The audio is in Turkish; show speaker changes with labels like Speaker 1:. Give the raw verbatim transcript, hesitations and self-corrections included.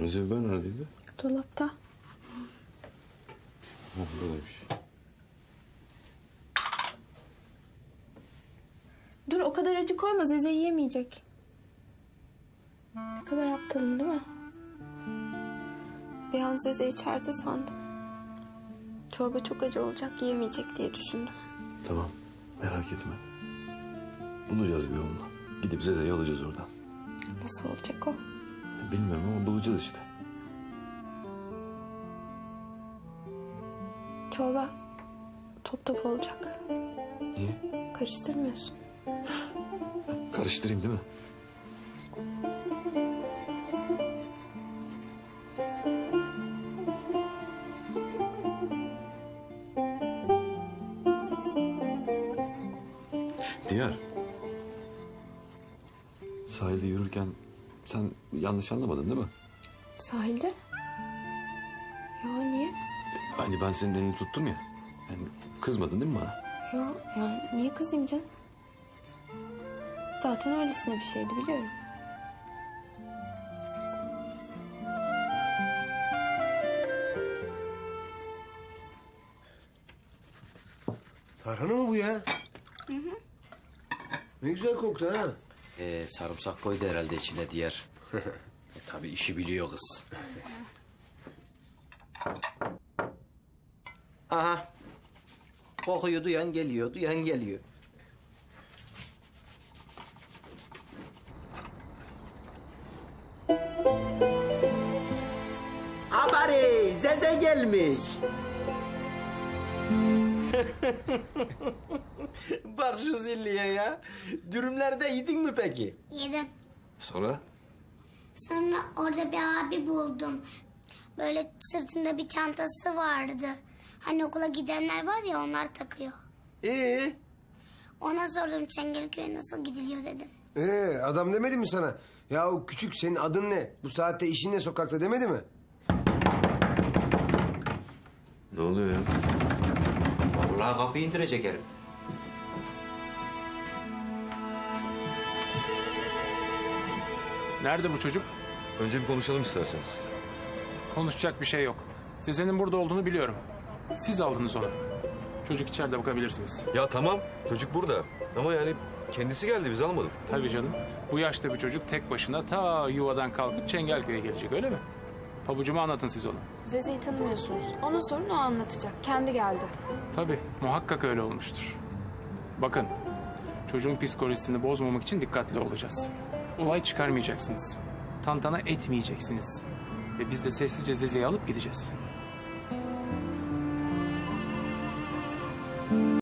Speaker 1: Kırmızı biber neredeydi?
Speaker 2: Dolapta.
Speaker 1: Ha, buradaymış.
Speaker 2: Dur o kadar acı koyma, Zeze yiyemeyecek. Ne kadar aptalım değil mi? Bir an Zeze içeride sandım. Çorba çok acı olacak, yiyemeyecek diye düşündüm.
Speaker 1: Tamam, merak etme. Bulacağız bir yolunu. Gidip Zeze'yi alacağız oradan.
Speaker 2: Nasıl olacak o?
Speaker 1: Bilmiyorum ama bulacağız işte.
Speaker 2: Çorba top top olacak.
Speaker 1: Niye?
Speaker 2: Karıştırmıyorsun.
Speaker 1: Karıştırayım değil mi? Diyar. Sahilde yürürken sen yanlış anlamadın değil mi?
Speaker 2: Sahilde? Ya niye?
Speaker 1: Hani ben senin elini tuttum ya. Yani kızmadın değil mi bana?
Speaker 2: Ya, ya niye kızayım canım? Zaten öylesine bir şeydi biliyorum.
Speaker 3: Tarhana mı bu ya? Hı hı. Ne güzel koktu ha.
Speaker 4: Ee, sarımsak koydu herhalde içine diğer. e, tabii işi biliyor kız. Aha. Kokuyu duyan geliyor, duyan geliyor. Habari, Zeze gelmiş. Bak şu zilliye ya. Dürümlerde yedin mi peki?
Speaker 5: Yedim.
Speaker 1: Sonra?
Speaker 5: Sonra orada bir abi buldum. Böyle sırtında bir çantası vardı. Hani okula gidenler var ya, onlar takıyor.
Speaker 4: Ee,
Speaker 5: Ona sordum Çengelköy'e nasıl gidiliyor dedim.
Speaker 3: Ee, adam demedi mi sana? Ya o küçük, senin adın ne? Bu saatte işin ne sokakta demedi mi?
Speaker 1: Ne oluyor ya?
Speaker 4: vallahi kapıyı indirecek herif.
Speaker 6: Nerede bu çocuk?
Speaker 1: Önce bir konuşalım isterseniz.
Speaker 6: Konuşacak bir şey yok. Sezen'in burada olduğunu biliyorum. Siz aldınız onu. Çocuk içeride, bakabilirsiniz.
Speaker 1: Ya tamam, çocuk burada. Ama yani kendisi geldi, biz almadık.
Speaker 6: Tabii canım. Bu yaşta bir çocuk tek başına ta yuvadan kalkıp Çengelköy'e gelecek, öyle mi? Pabucuma anlatın siz onu.
Speaker 2: Zeze'yi tanımıyorsunuz. Ona sorun, o anlatacak. Kendi geldi.
Speaker 6: Tabii, muhakkak öyle olmuştur. Bakın, çocuğun psikolojisini bozmamak için dikkatli olacağız. Olay çıkarmayacaksınız. Tantana etmeyeceksiniz. Ve biz de sessizce Zeze'yi alıp gideceğiz.